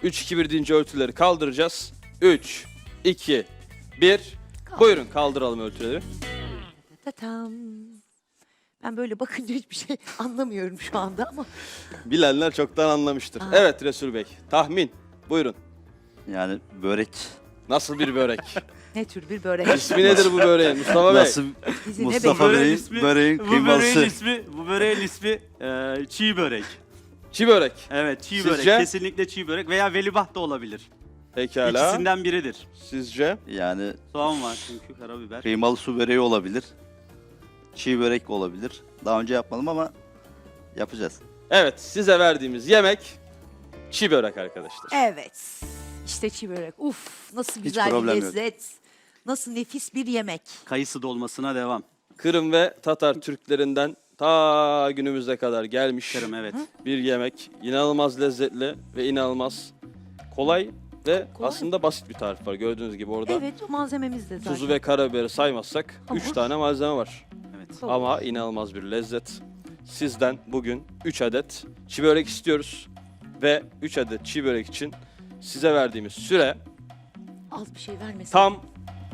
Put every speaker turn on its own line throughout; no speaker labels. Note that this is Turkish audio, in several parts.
3-2-1 deyince örtüleri kaldıracağız. 3, 2, 1. Buyurun kaldıralım örtüleri.
Tatam. Ben böyle bakınca hiçbir şey anlamıyorum şu anda ama.
Bilenler çoktan anlamıştır.
Aa.
Evet Resul Bey, tahmin. Buyurun.
Yani börek.
Nasıl bir börek?
Ne tür bir börek?
İsmi nedir bu böreğin Mustafa Bey?
Nasıl
Bizi ne
Mustafa
bekliyor?
Bey'in böreğin kıyması.
Bu böreğin ismi çiğ börek.
Çiğ börek.
Evet, çiğ
Sizce?
börek. Kesinlikle çiğ börek veya velibaht da olabilir.
Pekala.
İkisinden biridir.
Sizce?
Yani
Soğan var çünkü, karabiber.
kıymalı su böreği olabilir. Çiğ börek olabilir. Daha önce yapmadım ama yapacağız.
Evet, size verdiğimiz yemek çiğ börek arkadaşlar.
Evet. İşte çiğ börek. Uf, nasıl güzel bir
problem yok.
lezzet. Nasıl nefis bir yemek.
Kayısı dolmasına devam.
Kırım ve Tatar Türklerinden ta günümüze kadar gelmiş
Kırım, evet.
bir yemek. İnanılmaz lezzetli ve inanılmaz kolay ve
Kolay.
aslında basit bir tarif var. Gördüğünüz gibi orada
Evet, o malzememiz de zaten.
tuzu ve karabiberi saymazsak
Hamur.
3 tane malzeme var.
Evet.
Tamam.
Ama inanılmaz bir lezzet. Sizden bugün 3 adet çiğ börek istiyoruz. Ve 3 adet çiğ börek için size verdiğimiz süre
Az bir şey vermesin.
tam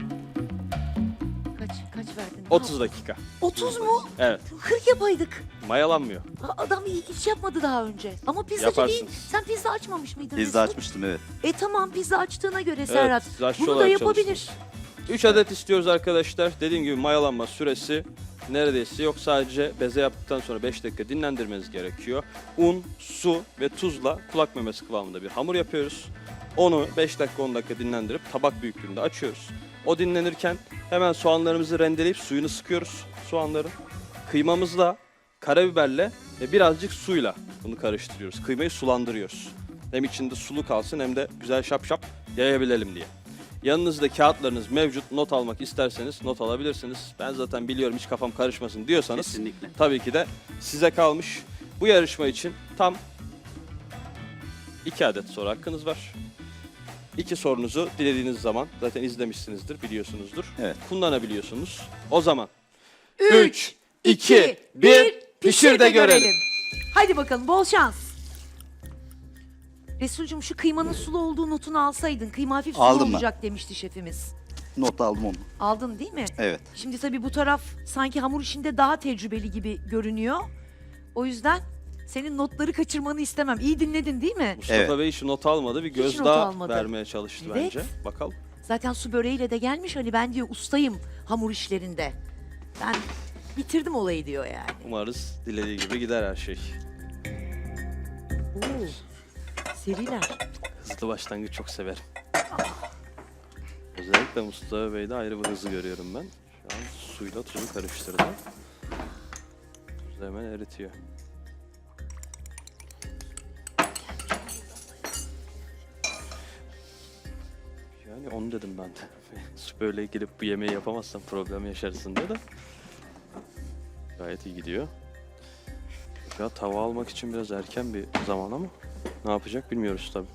Kaç verdin?
30 dakika.
30 mu?
Evet,
40 yapaydık.
mayalanmıyor.
Adam hiç yapmadı daha önce. Ama pizzacı değil.
Yaparsınız.
Sen pizza açmamış mıydın?
Pizza
Resul?
açmıştım, evet.
Tamam, pizza açtığına göre Serhat.
siz aşçı
Bunu da
olarak
yapabilir.
çalıştınız. 3 adet istiyoruz arkadaşlar. Dediğim gibi mayalanma süresi neredeyse yok. Sadece beze yaptıktan sonra 5 dakika dinlendirmeniz gerekiyor. Un, su ve tuzla kulak memesi kıvamında bir hamur yapıyoruz. Onu 5 dakika 10 dakika dinlendirip tabak büyüklüğünde açıyoruz. O dinlenirken hemen soğanlarımızı rendeleyip suyunu sıkıyoruz soğanların. Kıymamızla, karabiberle ve birazcık suyla bunu karıştırıyoruz. Kıymayı sulandırıyoruz. Hem içinde sulu kalsın hem de güzel şap şap yayabilelim diye. Yanınızda kağıtlarınız mevcut. Not almak isterseniz not alabilirsiniz. Ben zaten biliyorum hiç kafam karışmasın diyorsanız
Kesinlikle.
tabii ki de size kalmış. Bu yarışma için tam 2 adet soru hakkınız var. 2 sorunuzu dilediğiniz zaman zaten izlemişsinizdir, biliyorsunuzdur.
Evet.
Kullanabiliyorsunuz. O zaman
3, 2, 1, pişir de görelim. Hadi bakalım, bol şans. Resulcüm, şu kıymanın sulu olduğu notunu alsaydın. Kıyma hafif sulu
Aldım ben.
olacak demişti şefimiz.
Not aldım onu.
Aldın değil mi?
Evet.
Şimdi tabii bu taraf sanki hamur işinde daha tecrübeli gibi görünüyor. O yüzden senin notları kaçırmanı istemem. İyi dinledin değil mi?
Mustafa
Evet.
Bey hiç not almadı. Bir
Hiç
göz
not
daha
almadı.
vermeye çalıştı
Evet.
bence. Bakalım.
Zaten su böreğiyle de gelmiş. Hani ben diyor ustayım hamur işlerinde. Ben bitirdim olayı diyor yani.
Umarız dilediği gibi gider her şey.
Oo, seriler.
Hızlı başlangıç çok severim. Özellikle Mustafa Bey'de ayrı bir hızı görüyorum ben. Şu an suyla tuzu karıştırdı. Tuzu hemen eritiyor. Yani onu dedim ben de. Böyle gelip bu yemeği yapamazsam problem yaşarsın diye de. Gayet iyi gidiyor. Ya tava almak için biraz erken bir zaman ama ne yapacak bilmiyoruz tabii.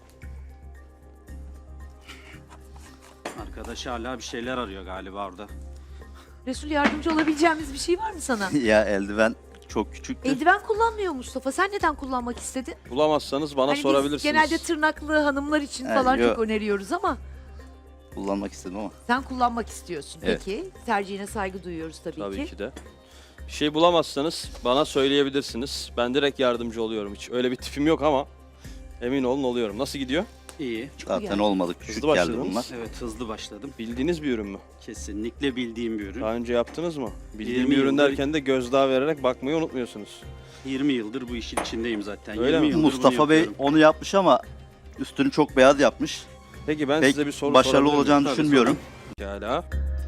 Arkadaş hala bir şeyler arıyor galiba orada.
Resul, yardımcı olabileceğimiz bir şey var mı sana?
Ya eldiven çok küçüktü.
Eldiven kullanmıyor Mustafa. Sen neden kullanmak istedin?
Bulamazsanız bana
Hani biz
sorabilirsiniz.
genelde tırnaklı hanımlar için
Ha,
falan
yok.
çok öneriyoruz ama
Kullanmak istedim ama.
sen kullanmak istiyorsun.
Evet.
Peki, tercihine saygı duyuyoruz tabii,
Tabii ki de. Bir şey bulamazsanız bana söyleyebilirsiniz. Ben direkt yardımcı oluyorum. Hiç öyle bir tipim yok ama emin olun oluyorum. Nasıl gidiyor?
İyi.
Zaten
iyi.
olmadı. Küçük
Hızlı
geldi
başladınız.
bunlar.
Evet, hızlı başladım.
Bildiğiniz bir ürün mü?
Kesinlikle bildiğim bir ürün.
Daha önce yaptınız mı? Bildiğim
20
bir ürün
yıldır-
derken de gözdağı vererek bakmayı unutmuyorsunuz.
20 yıldır bu işin içindeyim zaten.
Öyle
20
mi?
yıldır
Mustafa
bunu
Bey
yapıyorum.
onu yapmış ama üstünü çok beyaz yapmış.
Peki ben
Pek
size bir soru
başarılı
sorabilir miyim?
olacağını
Tabii,
düşünmüyorum.
Pekala.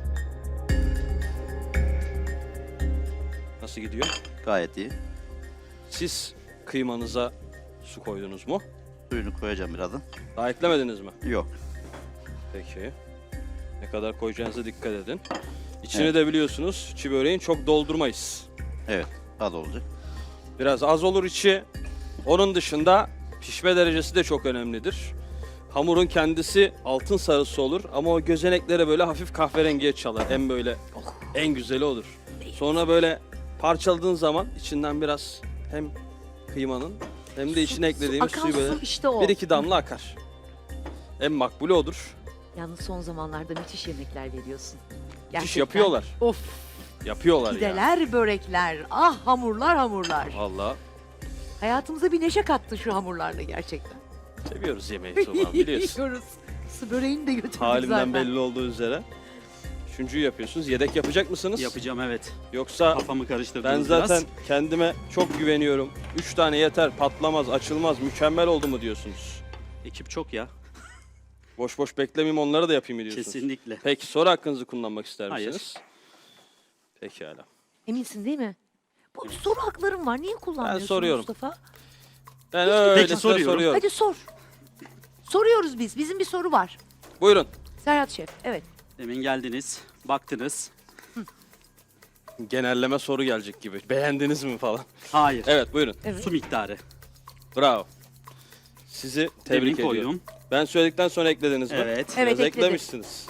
Nasıl gidiyor?
Gayet iyi.
Siz kıymanıza su koydunuz mu?
Suyunu koyacağım birazdan.
Daha eklemediniz mi?
Yok.
Peki. Ne kadar koyacağınıza dikkat edin. İçini
Evet.
de biliyorsunuz çiğ böreğin çok doldurmayız.
Evet. Az olacak.
Biraz az olur içi. Onun dışında pişme derecesi de çok önemlidir. Hamurun kendisi altın sarısı olur ama o gözeneklere böyle hafif kahverengiye çalar. En böyle en güzeli olur. Sonra böyle parçaladığın zaman içinden biraz hem kıymanın Hem de içine eklediğimiz
akan
suyu böyle
su işte o.
bir iki damla akar. En makbulü odur.
Yalnız son zamanlarda müthiş yemekler veriyorsun.
Müthiş
Gerçekten.
yapıyorlar.
Of,
Yapıyorlar ya.
pideler, börekler. Ah hamurlar hamurlar.
Valla
Hayatımıza bir neşe kattı şu hamurlarla gerçekten.
seviyoruz yemeği Tuğba biliyorsun.
Yiyoruz. Su böreğini de götürdük
Halimden
zaten.
belli olduğu üzere. Üçüncüyü yapıyorsunuz. Yedek yapacak mısınız?
Yapacağım evet.
Yoksa
Kafamı karıştırdınız
ben zaten
biraz.
kendime çok güveniyorum. 3 tane yeter, patlamaz, açılmaz, mükemmel oldu mu diyorsunuz?
Ekip çok ya.
Boş boş beklemeyeyim onları da yapayım mı diyorsunuz?
Kesinlikle.
Peki soru hakkınızı kullanmak ister
Hayır.
misiniz? Pekala.
Eminsin değil mi? Bu soru haklarım var. Niye kullanmıyorsun
soruyorum.
Mustafa?
Ben öyle
soruyorum.
soruyorum.
Hadi sor. Soruyoruz biz. Bizim bir soru var.
Buyurun.
Serhat Şef. Evet.
Demin geldiniz, baktınız.
Genelleme soru gelecek gibi. Beğendiniz mi falan?
Hayır.
Evet buyurun.
Evet.
Su miktarı.
Bravo. Sizi tebrik
Demin
ediyorum.
koydum.
Ben söyledikten sonra eklediniz mi?
Evet.
Evet,
Biraz
ekledik.
eklemişsiniz.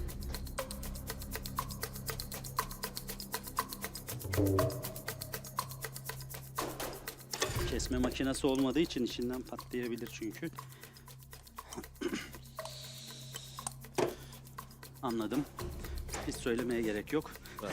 Kesme makinesi olmadığı için içinden patlayabilir çünkü. Anladım. Hiç söylemeye gerek yok.
Bravo.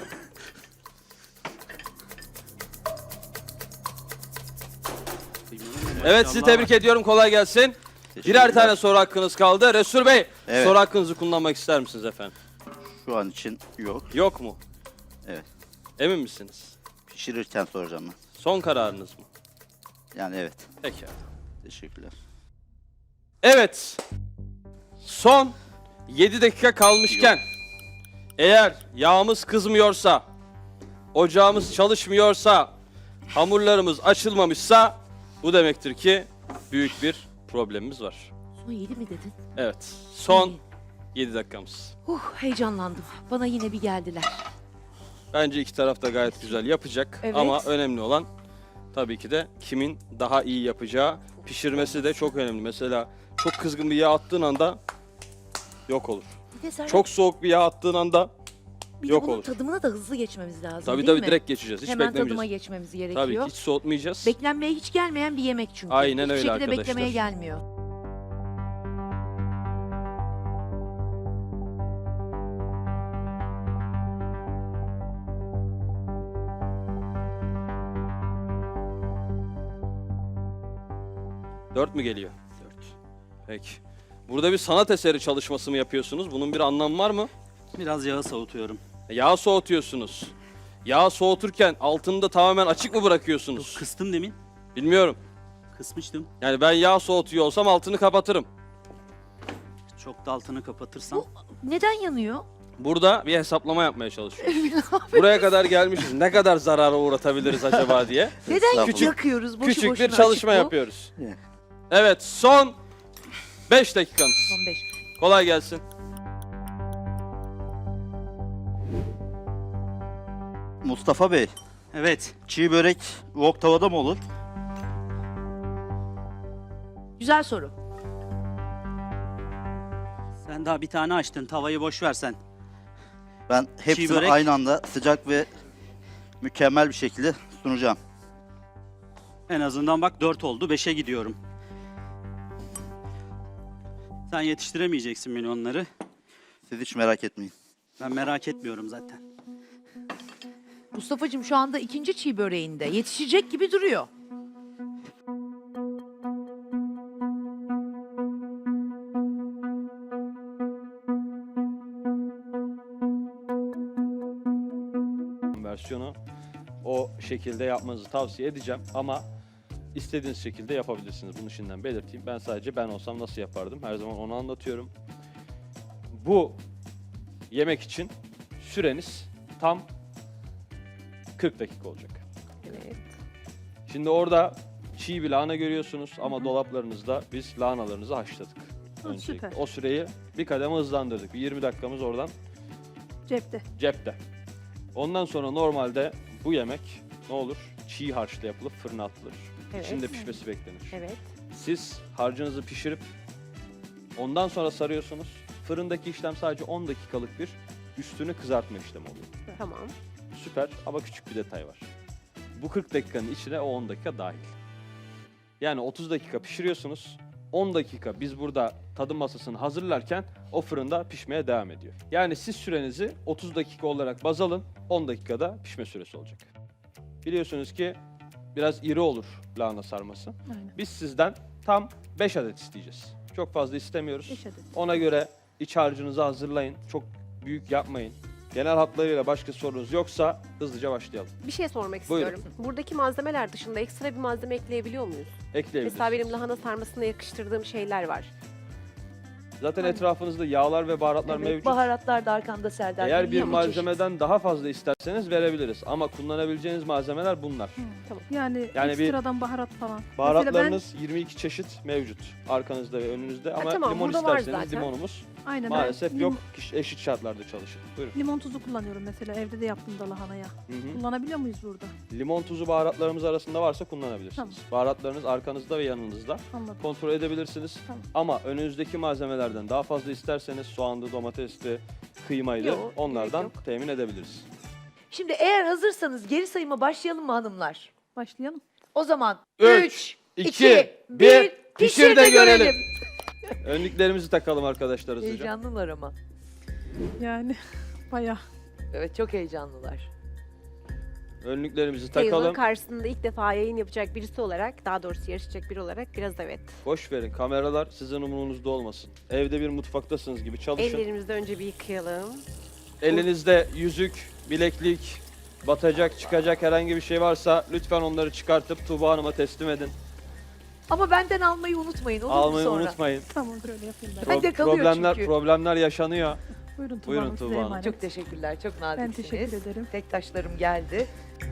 Evet sizi tebrik ediyorum. Kolay gelsin. Birer tane soru hakkınız kaldı. Resul Bey,
Evet.
soru hakkınızı kullanmak ister misiniz efendim?
Şu an için yok.
Yok mu?
Evet.
Emin misiniz?
Pişirirken soracağım ben.
Son kararınız mı?
Yani evet.
Peki.
Teşekkürler.
Evet. Son 7 dakika kalmışken eğer yağımız kızmıyorsa, ocağımız çalışmıyorsa, hamurlarımız açılmamışsa bu demektir ki büyük bir problemimiz var.
Son 7 mi dedin?
Evet. Son
İyi.
7 dakikamız.
Heyecanlandım. Bana yine bir geldiler.
Bence iki taraf da gayet güzel yapacak
Evet.
ama önemli olan tabii ki de kimin daha iyi yapacağı. Pişirmesi de çok önemli. Mesela çok kızgın bir yağ attığın anda yok olur.
Bir de Serhat,
Çok soğuk bir yağ attığın anda
bir de
yok
bunun
olur.
tadımına da hızlı geçmemiz lazım
tabii
değil
tabii
mi?
direkt geçeceğiz. Hiç
Hemen
beklemeyeceğiz.
tadıma geçmemiz
Tabii
gerekiyor.
ki hiç soğutmayacağız.
Beklenmeye hiç gelmeyen bir yemek çünkü.
Aynen
Hiçbir
öyle
şekilde
arkadaşlar.
beklemeye gelmiyor.
Dört mü geliyor? 4. Peki. Burada bir sanat eseri çalışması mı yapıyorsunuz? Bunun bir anlamı var mı?
Biraz yağı soğutuyorum.
Yağ soğutuyorsunuz. Yağ soğuturken altını da tamamen açık mı bırakıyorsunuz?
Kıstım demin.
Bilmiyorum.
Kısmıştım.
Yani ben yağ soğutuyor olsam altını kapatırım.
Çok da altını kapatırsam.
Neden yanıyor?
Burada bir hesaplama yapmaya çalışıyoruz. Buraya kadar gelmişiz. Ne kadar zarara uğratabiliriz acaba diye.
Neden
Estağfurullah.
yakıyoruz boşu
Küçük
boşuna
bir çalışma
açık bu?
yapıyoruz.
Evet.
Evet son 5 dakikanız.
Son 5.
Kolay gelsin.
Mustafa Bey,
Evet.
çiğ börek wok tavada mı olur?
Güzel soru.
Sen daha bir tane açtın. Tavayı boş versen.
Ben hepsini
börek.
aynı anda sıcak ve mükemmel bir şekilde sunacağım.
En azından bak 4 oldu. 5'e gidiyorum. Sen yetiştiremeyeceksin milyonları.
Siz hiç merak etmeyin.
Ben merak etmiyorum zaten.
Mustafa'cığım şu anda ikinci çiğ böreğinde. Yetişecek gibi duruyor.
Versiyonu o şekilde yapmanızı tavsiye edeceğim ama istediğiniz şekilde yapabilirsiniz. Bunu şimdiden belirteyim. Ben sadece ben olsam nasıl yapardım? Her zaman onu anlatıyorum. Bu yemek için süreniz tam 40 dakika olacak.
Evet.
Şimdi orada çiğ bir lahana görüyorsunuz ama dolaplarınızda biz lahanalarınızı haşladık. Öncelikle.
süper.
O süreyi bir kademe hızlandırdık. Bir 20 dakikamız oradan
Cepte.
cepte. Ondan sonra normalde bu yemek ne olur? Çiğ harçla yapılıp fırına atılır.
Evet.
İçinde pişmesi beklenir.
Evet.
Siz harcınızı pişirip ondan sonra sarıyorsunuz. Fırındaki işlem sadece 10 dakikalık bir üstünü kızartma işlemi oluyor.
Tamam.
Süper ama küçük bir detay var. Bu 40 dakikanın içine o 10 dakika dahil. Yani 30 dakika pişiriyorsunuz. 10 dakika biz burada tadım masasını hazırlarken o fırında pişmeye devam ediyor. Yani siz sürenizi 30 dakika olarak baz alın. 10 dakikada pişme süresi olacak. Biliyorsunuz ki biraz iri olur lahana sarması.
Aynen.
Biz sizden tam 5 adet isteyeceğiz. Çok fazla istemiyoruz.
5 adet.
Ona göre iç harcınızı hazırlayın. Çok büyük yapmayın. Genel hatlarıyla başka sorunuz yoksa hızlıca başlayalım.
Bir şey sormak
Buyurun.
istiyorum. Buradaki malzemeler dışında ekstra bir malzeme ekleyebiliyor muyuz?
Ekleyebilirsiniz.
Mesela benim lahana sarmasına yakıştırdığım şeyler var.
Zaten etrafınızda yağlar ve baharatlar
Evet,
mevcut.
baharatlar da arkanda Serdar.
Eğer bir
Yağ
malzemeden daha fazla isterseniz verebiliriz. Ama kullanabileceğiniz malzemeler bunlar.
Yani,
Yani bir-
ekstradan baharat falan.
Baharatlarınız 22 çeşit mevcut. Arkanızda ve önünüzde. Ama
tamam,
limon
burada var
isterseniz
zaten.
limonumuz
Aynen,
maalesef
ben
yok. Eşit şartlarda çalışın. Buyurun.
Limon tuzu kullanıyorum mesela. Evde de yaptım da lahanaya.
Hı hı.
Kullanabiliyor muyuz burada?
Limon tuzu baharatlarımız arasında varsa kullanabilirsiniz.
Tamam.
Baharatlarınız arkanızda ve yanınızda.
Anladım.
Kontrol edebilirsiniz.
Tamam.
Ama önünüzdeki malzemelerden daha fazla isterseniz soğandı, domatesli, kıymaydı
Yok,
onlardan
gerek yok.
temin edebiliriz.
Şimdi eğer hazırsanız geri sayıma başlayalım mı hanımlar?
Başlayalım.
O zaman
3,
3,
2,
2, 1,
pişir de görelim. Önlüklerimizi takalım arkadaşlar hızlıca.
Heyecanlılar ama.
Yani bayağı.
Evet, çok heyecanlılar.
Önlüklerimizi
Takalım.
takalım.
Karşısında ilk defa yayın yapacak birisi olarak, daha doğrusu yarışacak biri olarak biraz evet.
Boş verin kameralar sizin umurunuzda olmasın. Evde bir mutfaktasınız gibi çalışın.
Ellerimizi önce bir yıkayalım.
Elinizde yüzük, bileklik, batacak, çıkacak herhangi bir şey varsa lütfen onları çıkartıp Tuğba Hanım'a teslim edin.
Ama benden almayı unutmayın, olur mu
Almayı
sonra?
unutmayın.
Tamamdır, öyle yapayım ben.
Hadi. Bende kalıyor çünkü.
Problemler yaşanıyor.
Buyurun Tuğba
Buyurun
Hanım, size
Tuğba Hanım.
emanet.
Çok teşekkürler, çok
Ben
naziksiniz.
teşekkür ederim.
Tek taşlarım geldi.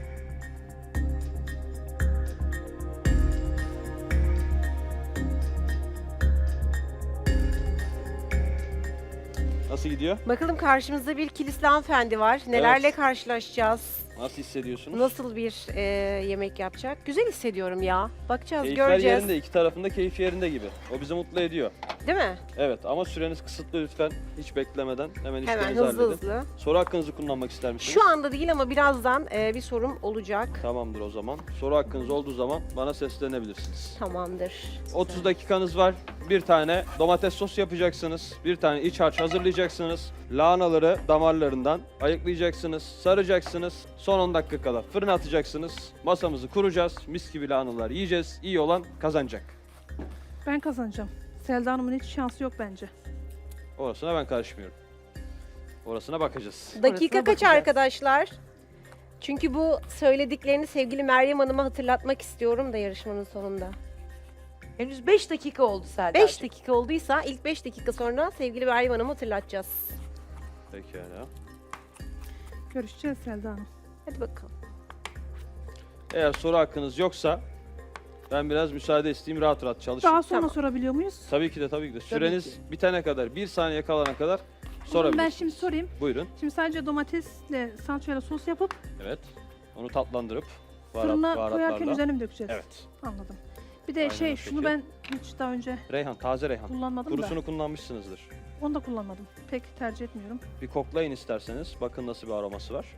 Nasıl gidiyor?
Bakalım karşımızda bir kilisli hanımefendi var. Nelerle
Evet.
karşılaşacağız?
Nasıl hissediyorsunuz?
Nasıl bir yemek yapacak? Güzel hissediyorum ya. Bakacağız,
Keyifler
göreceğiz.
yerinde, iki tarafında keyif yerinde gibi. O bizi mutlu ediyor.
Değil mi?
Evet ama süreniz kısıtlı lütfen. Hiç beklemeden hemen
Hemen
işlerinizi
hızlı
halledin.
hızlı.
Soru hakkınızı kullanmak ister misiniz?
Şu anda değil ama birazdan bir sorum olacak.
Tamamdır o zaman. Soru hakkınız olduğu zaman bana seslenebilirsiniz.
Tamamdır.
30 dakikanız var. Bir tane domates sos yapacaksınız. Bir tane iç harç hazırlayacaksınız. Lahanaları damarlarından ayıklayacaksınız. Saracaksınız. Son 10 dakika kala fırına atacaksınız. Masamızı kuracağız. Mis gibi lahanalar yiyeceğiz. İyi olan kazanacak.
Ben kazanacağım. Selda Hanım'ın hiç şansı yok bence.
Orasına ben karışmıyorum. Orasına bakacağız.
Dakika
Orasına
kaç
bakacağız.
arkadaşlar? Çünkü bu söylediklerini sevgili Meryem Hanım'a hatırlatmak istiyorum da yarışmanın sonunda.
Henüz 5 dakika oldu Serdar.
5 dakika olduysa ilk 5 dakika sonra sevgili Meryem Hanım'ı hatırlatacağız.
Pekala.
Görüşeceğiz Selda Hanım.
Hadi bakalım.
Eğer soru hakkınız yoksa ben biraz müsaade isteyeyim, rahat rahat çalışın.
Daha sonra
Tamam.
sorabiliyor muyuz?
Tabii ki de tabii ki de. Süreniz
ki.
bitene kadar, 1 saniye kalana kadar
O zaman
sorabilirsiniz.
ben şimdi sorayım.
Buyurun.
Şimdi sadece domatesle salçayla sos yapıp
Evet. Onu tatlandırıp
fırına koyarken
baharatlarla.
üzerine mi dökeceğiz?
Evet.
Anladım. Bir de
Aynen
şey
öyle.
şunu ben hiç daha önce
Reyhan, taze reyhan.
kullanmadım da.
Kurusunu kullanmışsınızdır.
Onu da kullanmadım. Pek tercih etmiyorum.
Bir koklayın isterseniz. Bakın nasıl bir aroması var.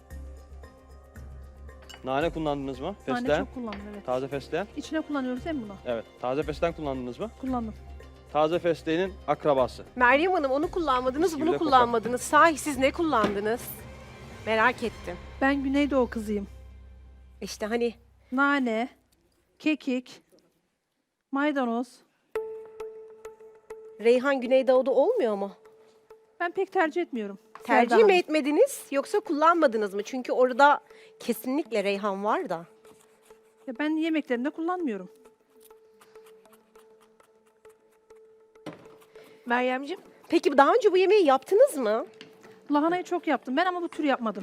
Nane kullandınız mı?
Nane
Fesleğen.
çok kullandım, evet.
Taze fesleğen.
İçine kullanıyoruz değil mi bunu?
Evet. Taze fesleğen kullandınız mı?
Kullandım.
Taze fesleğenin akrabası.
Meryem Hanım onu kullanmadınız,
Mis gibi
bunu
de kokar.
kullanmadınız. Sahi siz ne kullandınız? Merak ettim.
Ben Güneydoğu kızıyım.
İşte hani
Nane, kekik, maydanoz.
Reyhan Güneydoğu'da olmuyor mu?
Ben pek tercih etmiyorum.
Tercih
Selda
mi
Hanım.
etmediniz yoksa kullanmadınız mı? Çünkü orada kesinlikle reyhan var da.
Ya ben yemeklerimde kullanmıyorum.
Meryemciğim,
Peki daha önce bu yemeği yaptınız mı?
Lahanayı çok yaptım ben ama bu tür yapmadım.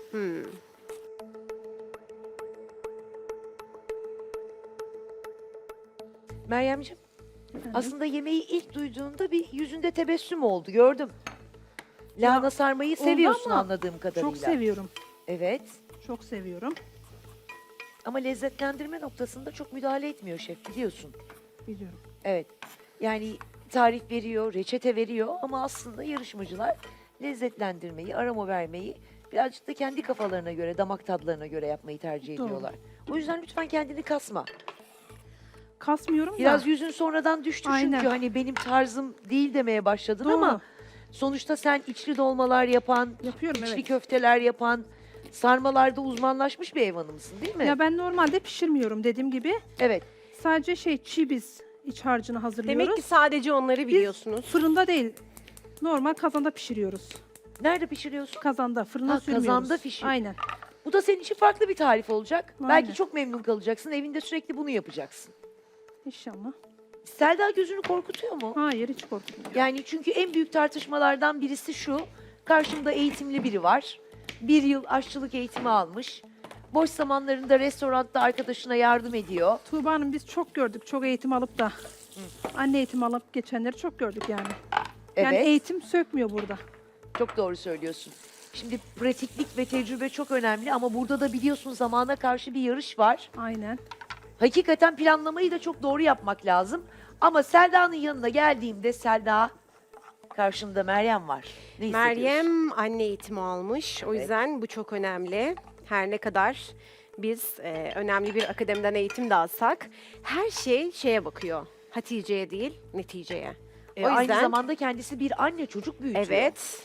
Meryemciğim. Aslında yemeği ilk duyduğunda bir yüzünde tebessüm oldu, gördüm. Lahana sarmayı
oldu
seviyorsun
ama
anladığım kadarıyla.
Çok seviyorum.
Evet.
Çok seviyorum.
Ama lezzetlendirme noktasında çok müdahale etmiyor şef, biliyorsun.
Biliyorum.
Evet. Yani tarif veriyor, reçete veriyor ama aslında yarışmacılar lezzetlendirmeyi, aroma vermeyi birazcık da kendi kafalarına göre, damak tadlarına göre yapmayı tercih
Doğru.
ediyorlar. O yüzden lütfen kendini kasma.
kasmıyorum
Biraz
da.
yüzün sonradan düştü
Aynen.
çünkü hani benim tarzım değil demeye başladın
Doğru.
ama sonuçta sen içli dolmalar yapan,
Yapıyorum,
içli
evet.
köfteler yapan, sarmalarda uzmanlaşmış bir ev hanımısın değil mi?
Ya ben normalde pişirmiyorum dediğim gibi.
Evet.
Sadece çiğ biz iç harcını hazırlıyoruz.
Demek ki sadece onları biliyorsunuz.
Fırında değil. Normal kazanda pişiriyoruz.
Nerede pişiriyorsun?
Kazanda, fırına
Ha,
sürmüyoruz.
kazanda pişir.
Aynen.
Bu da senin için farklı bir tarif olacak.
Aynen.
Belki çok memnun kalacaksın. Evinde sürekli bunu yapacaksın.
İnşallah.
Selda gözünü korkutuyor mu?
Hayır, hiç korkmuyorum.
Yani çünkü en büyük tartışmalardan birisi şu. Karşımda eğitimli biri var. 1 yıl aşçılık eğitimi almış. Boş zamanlarında restoranda arkadaşına yardım ediyor.
Tuğba Hanım biz çok gördük. Çok eğitim alıp da. Anne eğitim alıp geçenleri çok gördük yani. Yani
Evet.
eğitim sökmüyor burada.
Çok doğru söylüyorsun. Şimdi pratiklik ve tecrübe çok önemli ama burada da biliyorsun zamana karşı bir yarış var.
Aynen.
Hakikaten planlamayı da çok doğru yapmak lazım. Ama Selda'nın yanına geldiğimde Selda karşımda Meryem var. Ne hissediyorsun?
Meryem anne eğitimi almış. O yüzden bu çok önemli. Her ne kadar biz önemli bir akademiden eğitim de alsak her şey şeye bakıyor. Hatice'ye değil, neticeye. O
Aynı
yüzden
zamanda kendisi bir anne çocuk büyütüyor.
evet.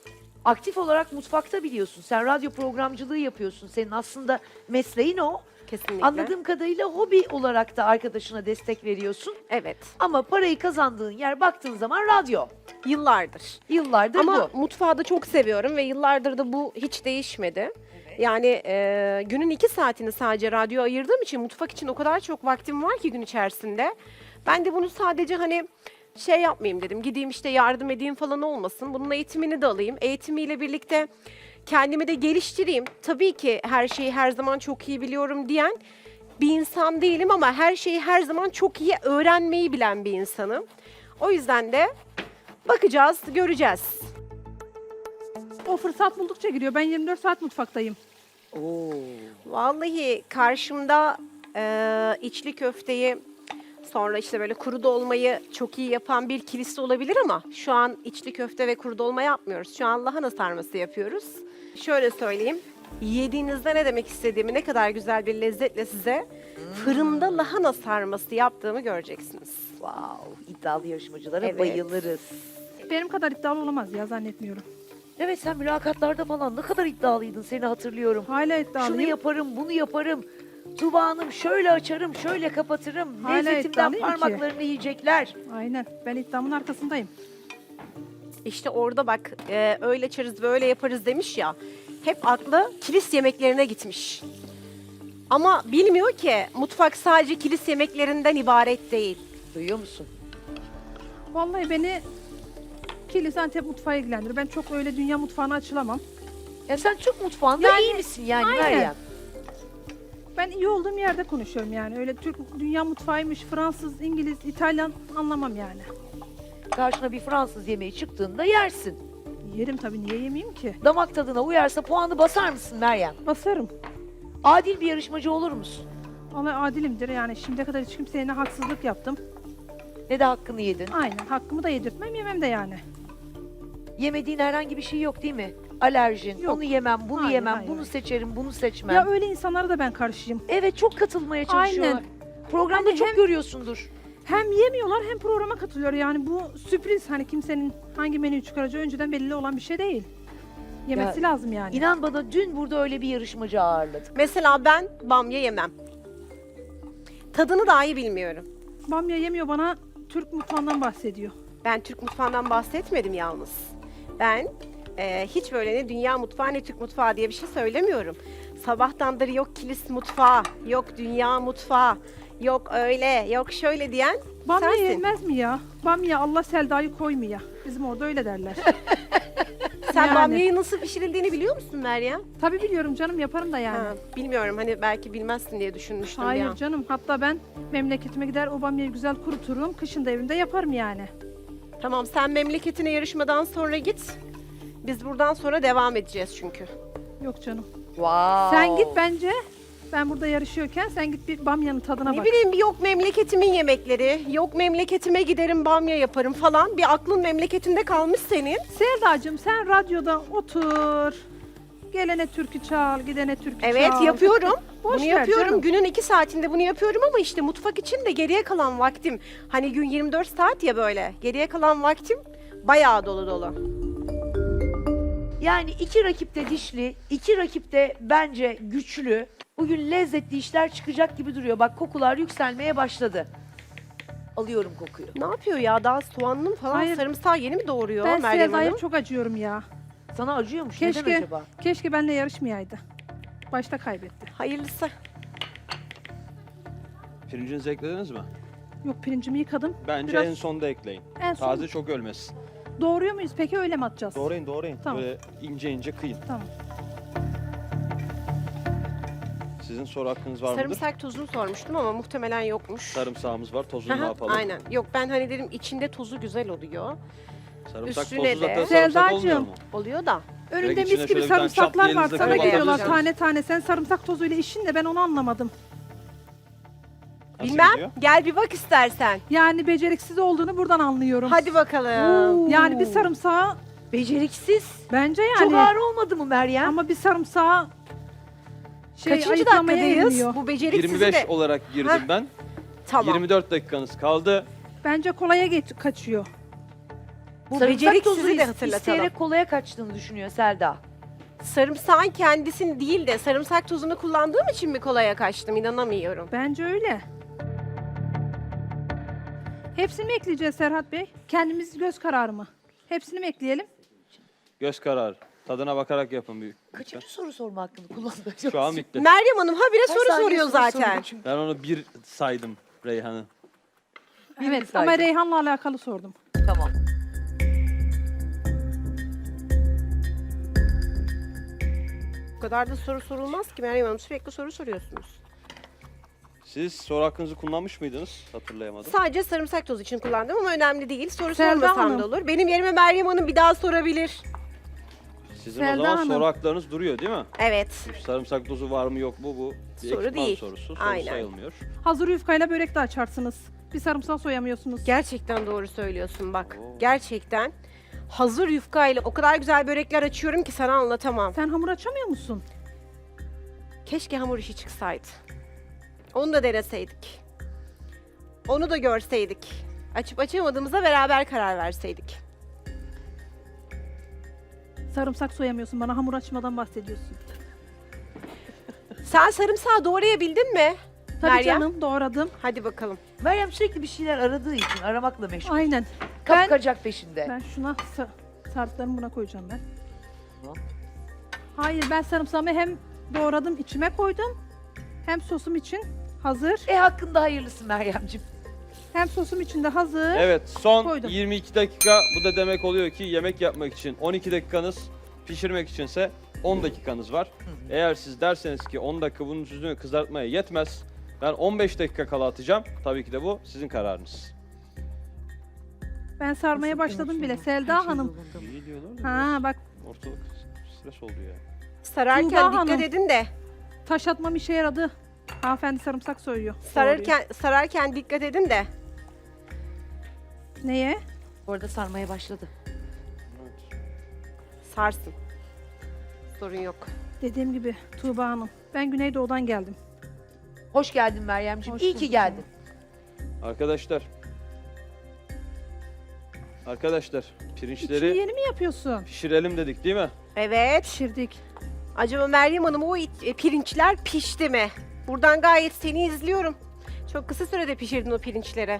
Aktif olarak mutfakta biliyorsun. Sen radyo programcılığı yapıyorsun. Senin aslında mesleğin o.
Kesinlikle.
Anladığım kadarıyla hobi olarak da arkadaşına destek veriyorsun.
Evet.
Ama parayı kazandığın yer baktığın zaman radyo.
Yıllardır.
Yıllardır
Ama
bu.
mutfağı da çok seviyorum ve yıllardır da bu hiç değişmedi. Yani günün 2 saatini sadece radyo ayırdığım için mutfak için o kadar çok vaktim var ki gün içerisinde. Ben de bunu sadece hani şey yapmayayım dedim. Gideyim işte yardım edeyim falan olmasın. Bunun eğitimini de alayım. Eğitimiyle birlikte kendimi de geliştireyim. Tabii ki her şeyi her zaman çok iyi biliyorum diyen bir insan değilim ama her şeyi her zaman çok iyi öğrenmeyi bilen bir insanım. O yüzden de bakacağız, göreceğiz.
O fırsat buldukça giriyor. Ben 24 saat mutfaktayım.
Vallahi karşımda içli köfteyi sonra işte böyle kuru dolmayı çok iyi yapan bir kilise olabilir ama şu an içli köfte ve kuru dolma yapmıyoruz. Şu an lahana sarması yapıyoruz. Şöyle söyleyeyim. Yediğinizde ne demek istediğimi, ne kadar güzel bir lezzetle size fırında lahana sarması yaptığımı göreceksiniz.
Wow, iddialı yarışmacılara
Evet.
bayılırız.
Benim kadar iddialı olamaz ya zannetmiyorum.
Evet sen mülakatlarda falan ne kadar iddialıydın seni hatırlıyorum.
Hala iddialıyım.
Şunu yaparım, bunu yaparım. Tuba Hanım şöyle açarım, şöyle kapatırım.
Hala
Lezzetimden
iddialıyım ki.
parmaklarını yiyecekler.
Aynen. Ben iddiamın arkasındayım.
İşte orada bak öyle açarız böyle yaparız demiş ya. Hep aklı kilis yemeklerine gitmiş. Ama bilmiyor ki mutfak sadece kilis yemeklerinden ibaret değil.
Duyuyor musun?
Vallahi beni Kilis Antep mutfağı ilgilendirir. Ben çok öyle dünya mutfağına açılamam.
Ya sen Türk mutfağında
Yani,
iyi misin yani
aynen.
Meryem?
Ben iyi olduğum yerde konuşuyorum yani. Öyle Türk dünya mutfağıymış, Fransız, İngiliz, İtalyan anlamam yani.
Karşına bir Fransız yemeği çıktığında yersin.
Yerim tabii, niye yemeyeyim ki?
Damak tadına uyarsa puanı basar mısın Meryem?
Basarım.
Adil bir yarışmacı olur musun?
Vallahi adilimdir yani. Şimdiye kadar hiç kimseye ne haksızlık yaptım.
Ne de hakkını yedin.
Aynen. Hakkımı da yedirtmem, yemem de yani.
Yemediğin herhangi bir şey yok değil mi? Alerjin,
Yok.
onu yemem, bunu
Hayır,
yemem,
hayır,
bunu
hayır.
seçerim, bunu seçmem.
Ya öyle insanlara da ben karşıyım.
Evet çok katılmaya çalışıyorlar.
Aynen.
Programda
Hani
çok
hem-
görüyorsundur.
Hem yemiyorlar hem programa katılıyor. Yani bu sürpriz, hani kimsenin hangi menüyü çıkaracağı önceden belli olan bir şey değil. Yemesi lazım yani.
İnan bana dün burada öyle bir yarışmacı ağırladık.
Mesela ben bamya yemem. Tadını dahi bilmiyorum.
Bamya yemiyor, bana Türk mutfağından bahsediyor.
Ben Türk mutfağından bahsetmedim yalnız. Ben hiç böyle ne dünya mutfağı ne Türk mutfağı diye bir şey söylemiyorum. Sabahtandır yok kilis mutfağı, yok dünya mutfağı, yok öyle, yok şöyle diyen
Bamya
sensin.
yenmez mi ya? Bamya Allah Selda'yı koymuyor. Bizim orada öyle derler.
Sen
Yani.
bamyayı nasıl pişirildiğini biliyor musun Meryem?
Tabii biliyorum canım, yaparım da yani.
Ha, bilmiyorum hani belki bilmezsin diye düşünmüştüm
Hayır
ya.
canım, hatta ben memleketime gider o bamyayı güzel kuruturum. Kışın da evimde yaparım yani.
Tamam sen memleketine yarışmadan sonra git. Biz buradan sonra devam edeceğiz çünkü.
Yok canım.
Wow.
Sen git bence. Ben burada yarışıyorken sen git bir bamyanın tadına
Ne
bak.
bileyim bir yok memleketimin yemekleri, yok memleketime giderim bamya yaparım falan. Bir aklın memleketinde kalmış senin.
Selda'cığım sen radyoda otur. Gelene türkü çal, gidene türkü
Evet
çal.
yapıyorum.
Boş
Bunu
ver
yapıyorum.
canım.
Günün 2 saatinde bunu yapıyorum ama işte mutfak için de geriye kalan vaktim. Hani gün 24 saat ya böyle. Geriye kalan vaktim bayağı dolu dolu.
Yani iki rakip de dişli, iki rakip de bence güçlü. Bugün lezzetli işler çıkacak gibi duruyor. Bak kokular yükselmeye başladı. Alıyorum kokuyu.
Ne yapıyor ya? Daha soğanlı falan
Hayır.
sarımsağı yeni mi doğuruyor
Ben
Meryem
Selda'ya
Hanım?
çok acıyorum ya.
Sana acıyormuş. Neden
Keşke,
acaba?
keşke benimle yarışmayaydı. Başta kaybetti.
Hayırlısı.
Pirincinizi eklediniz mi?
Yok pirincimi yıkadım.
Bence
Biraz-
en sonda ekleyin.
En son
Taze çok ölmesin.
doğruyor muyuz peki öyle mi atacağız?
Doğrayın.
Tamam.
Böyle ince ince kıyın.
Tamam.
Sizin soru hakkınız var mıdır?
Sarımsak tozunu sormuştum ama muhtemelen yokmuş.
Sarımsağımız var. Tozunu ne
Aha,
yapalım?
aynen. Yok ben hani dedim içinde tozu güzel oluyor.
Sarımsak
Üstüne
tozu zaten
de-
sarımsak olmuyor
Selda'cığım.
mu?
Oluyor da.
Önünde
içine
mis
şöyle
gibi
bir tane çat
sarımsaklar var.
diyelinizde
Sana
koyup
geliyorlar
atabilirsiniz.
tane tane. Sen sarımsak tozuyla işin de ben onu anlamadım.
Nasıl
Bilmem.
gidiyor?
Gel bir bak istersen.
Yani beceriksiz olduğunu buradan anlıyorum.
Hadi bakalım.
Yani bir sarımsağı
Beceriksiz.
bence yani.
Çok ağır olmadı mı Meryem?
Ama bir sarımsağı
Kaçıncı
ayıklamaya
dakikadayız?
gelmiyor.
Bu beceriksizi
25
de...
olarak girdim
Heh,
ben.
Tamam.
24 dakikanız kaldı.
Bence kolaya kaçıyor.
Bu
Sarımsak
beceriksizi
tozu
de
isteyerek
hatırlatalım.
kolaya kaçtığını düşünüyor Selda.
Sarımsağın kendisini değil de sarımsak tozunu kullandığım için mi kolaya kaçtım? İnanamıyorum.
Bence öyle. Hepsini mi ekleyeceğiz Serhat Bey? Kendimiz göz kararı mı? Hepsini mi ekleyelim?
Göz kararı. Tadına bakarak yapın büyük.
Kaçıncı soru sorma hakkını kullandı?
Şu an bitti.
Meryem Hanım habire
Her
soru
saniye
soruyor
soru
zaten.
soruyor çünkü.
Ben onu bir saydım Reyhan'ı.
Evet
saydım.
ama Reyhan'la alakalı sordum.
Tamam.
Bu kadar da soru sorulmaz ki Meryem Hanım. Sürekli soru soruyorsunuz.
Siz soru hakkınızı kullanmış mıydınız? Hatırlayamadım.
Sadece sarımsak tozu için kullandım ama önemli değil. Soru
Selda
sormasam
Hanım.
da olur. Benim yerime Meryem Hanım bir daha sorabilir.
Sizin o
Selda
zaman
Hanım.
soru haklarınız duruyor değil mi?
Evet.
Sarımsak tozu var mı yok mu bu bir
Soru
ekipman
değil.
sorusu. Soru
Aynen.
sayılmıyor.
Hazır yufkayla börek de açarsınız. Bir sarımsak soyamıyorsunuz.
Gerçekten doğru söylüyorsun bak.
Oo.
Gerçekten. Hazır yufkayla o kadar güzel börekler açıyorum ki sana anlatamam.
Sen hamur açamıyor musun?
Keşke hamur işi çıksaydı. Onu da deneseydik. Onu da görseydik. Açıp açamadığımıza beraber karar verseydik.
Sarımsak soyamıyorsun. Bana hamur açmadan bahsediyorsun.
Sen sarımsağı doğrayabildin mi?
Tabii
Meryem.
canım doğradım.
Hadi bakalım.
Meryem sürekli bir şeyler aradığı için aramakla meşgul.
Aynen.
Kapkacak peşinde.
Ben şuna sarımsaklarımı buna koyacağım ben.
Tamam.
Hayır ben sarımsağımı hem doğradım içime koydum. Hem sosum için hazır.
Hakkında hayırlısı Meryemciğim.
Hem sosum için de hazır.
Evet son
Koydum.
22 dakika bu da demek oluyor ki yemek yapmak için 12 dakikanız, pişirmek içinse 10 dakikanız var. Eğer siz derseniz ki 10 dakika bunun yüzünü kızartmaya yetmez, ben 15 dakika kala atacağım. Tabii ki de bu sizin kararınız.
Ben sarmaya başladım bile. Selda Hanım.
İyi diyorlar da
Ha bak
biraz ortalık stres oldu ya.
Sararken
Tuğba
dikkat
Hanım.
edin de.
taş atmam işe yaradı. Hanımefendi sarımsak soyuyor.
Sararken dikkat edin de.
Doğruyor. Neye?
Bu arada sarmaya başladı.
Sarsın. Sorun yok.
Dediğim gibi Tuğba Hanım. Ben Güneydoğu'dan geldim.
Hoş geldin Meryemciğim.
Hoş
İyi ki
bulduk
geldin.
Arkadaşlar
İçini
pirinçleri
yeni mi yapıyorsun?
pişirelim dedik değil mi?
Evet.
Pişirdik.
Acaba Meryem Hanım o pirinçler pişti mi? Buradan gayet seni izliyorum. Çok kısa sürede pişirdin o pirinçleri.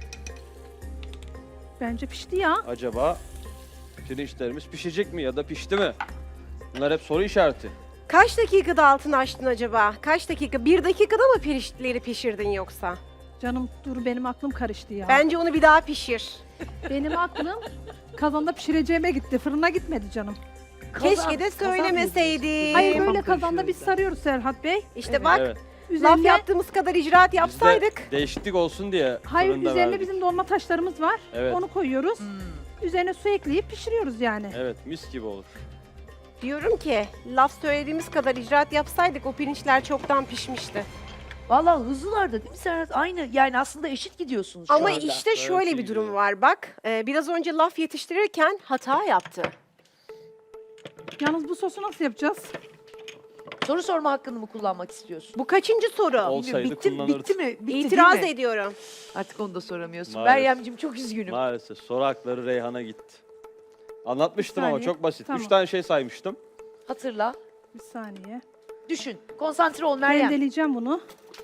Bence pişti ya.
Acaba pirinçlerimiz pişecek mi ya da pişti mi? Bunlar hep soru işareti.
Kaç dakikada altını açtın acaba? Kaç dakika? 1 dakikada mı pirinçleri pişirdin yoksa?
Canım dur benim aklım karıştı ya.
Bence onu bir daha pişir.
Benim aklım kazanda pişireceğime gitti. Fırına gitmedi canım.
Keşke de söylemeseydin.
Hayır
Kafam
böyle kazanda
karışıyor
biz
o yüzden.
sarıyoruz Serhat Bey.
İşte bak
Evet.
laf
Üzerine,
yaptığımız kadar icraat
Biz de
yapsaydık.
değişiklik olsun diye
hayır
fırında
üzerine
verdik.
bizim dolma taşlarımız var.
Evet.
Onu koyuyoruz. Üzerine su ekleyip pişiriyoruz yani.
Evet mis gibi olur.
Diyorum ki laf söylediğimiz kadar icraat yapsaydık o pirinçler çoktan pişmişti.
Vallahi hızlılar da değil mi Serhat? Aynı yani aslında eşit gidiyorsunuz şu
Ama
anda.
işte şöyle
iyi
bir durum
gidiyor.
var bak. Biraz önce laf yetiştirirken hata yaptı.
Yalnız bu sosu nasıl yapacağız?
Soru sorma hakkını mı kullanmak istiyorsun?
Bu kaçıncı soru?
Olsaydı
Bitti
kullanırdı.
mi? Bitti
İtiraz
değil mi?
ediyorum.
Artık onu da soramıyorsun.
Maalesef.
Meryemciğim çok üzgünüm.
Maalesef soru hakları Reyhan'a gitti. Anlatmıştım
Bir
ama
saniye.
çok basit.
Tamam.
3 tane şey saymıştım.
Hatırla.
Bir saniye.
Düşün. Konsantre ol Meryem.
Rendeleyeceğim bunu.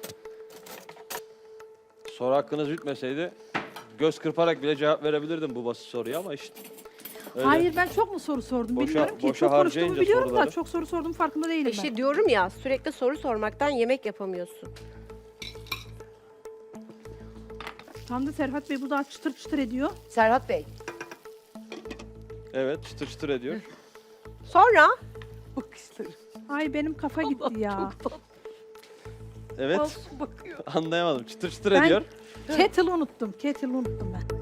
Soru hakkınız bitmeseydi göz kırparak bile cevap verebilirdim bu basit soruya ama işte. Öyle.
Hayır ben çok mu soru sordum
Boşa-
bilmiyorum ki.
boşa
Çok konuştuğumu
harcayınca
biliyorum
soruları.
da çok soru sordum farkında değilim ben.
İşte diyorum ya sürekli soru sormaktan yemek yapamıyorsun.
Tam da Serhat Bey burada çıtır çıtır ediyor.
Serhat Bey.
Evet çıtır çıtır ediyor.
Sonra
Bakışları.
Ay benim kafa gitti ya.
Evet
Masum bakıyor.
anlayamadım. Çıtır çıtır
Ben-
ediyor.
Kettle'ı unuttum. Kettle'ı unuttum ben.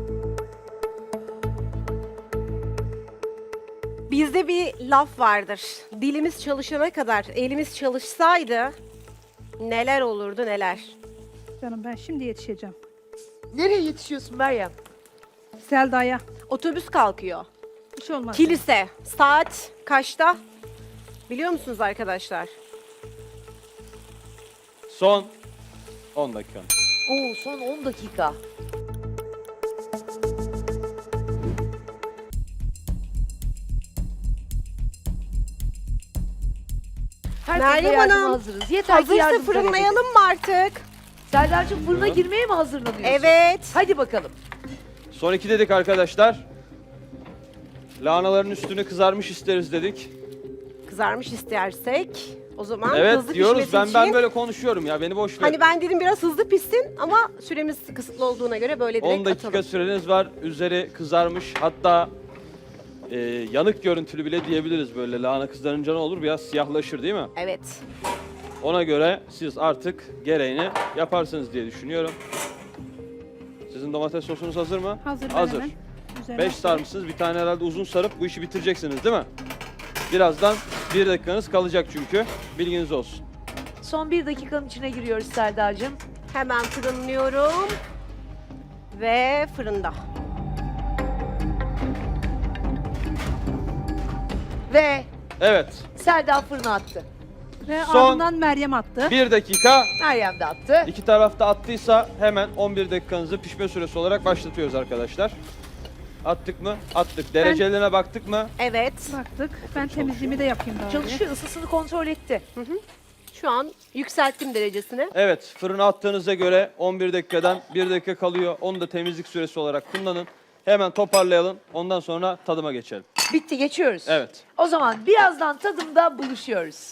bizde bir laf vardır. Dilimiz çalışana kadar elimiz çalışsaydı neler olurdu neler.
Canım ben şimdi yetişeceğim.
Nereye yetişiyorsun Meryem?
Selda'ya.
Otobüs kalkıyor.
Bir şey olmaz.
Kilise. Saat kaçta? Biliyor musunuz arkadaşlar?
Son 10 dakika.
Oo son 10 dakika. Herkese
Meryem
yardıma
Hanım,
hazırız. Yeter ki
Hazırsa
yardım talep edin.
fırınlayalım mı artık?
Serdar'cığım fırına
Buyurun.
girmeye mi hazırlanıyorsun?
Evet.
Hadi bakalım.
Son 2 dedik arkadaşlar. Lahanaların üstünü kızarmış isteriz dedik.
Kızarmış istersek o zaman
Evet
hızlı
diyoruz.
pişmesi
Ben
için.
böyle konuşuyorum ya. Beni boş ver.
Hani ben dedim biraz hızlı pişsin ama süremiz kısıtlı olduğuna göre böyle direkt
10 dakika
atalım.
süreniz var. Üzeri kızarmış. Hatta yanık görüntülü bile diyebiliriz böyle. Lahana kızarınca ne olur? Biraz siyahlaşır değil mi?
Evet.
Ona göre siz artık gereğini yaparsınız diye düşünüyorum. Sizin domates sosunuz hazır mı?
Hazır ben
Hazır.
hemen. Üzerine
5 sarmışsınız. Bir tane herhalde uzun sarıp bu işi bitireceksiniz değil mi? Birazdan 1 dakikanız kalacak çünkü. Bilginiz olsun.
Son 1 dakikanın içine giriyoruz Serdar'cığım.
Hemen fırınlıyorum. Ve fırında.
Ve
Evet.
Serdar fırına attı.
Ve
Son-
ardından Meryem attı.
1 dakika.
Meryem de attı.
İki tarafta attıysa hemen 11 dakikanızı pişme süresi olarak başlatıyoruz arkadaşlar. Attık mı? Attık. Derecelerine baktık mı?
Evet.
Baktık. Ben temizliğimi de yapayım daha.
Çalışıyor, ısısını kontrol etti.
Şu an yükselttim derecesini.
Evet. Fırına attığınıza göre 11 dakikadan 1 dakika kalıyor. Onu da temizlik süresi olarak kullanın. Hemen toparlayalım. Ondan sonra tadıma geçelim.
Bitti, geçiyoruz.
Evet.
O zaman birazdan tadımda buluşuyoruz.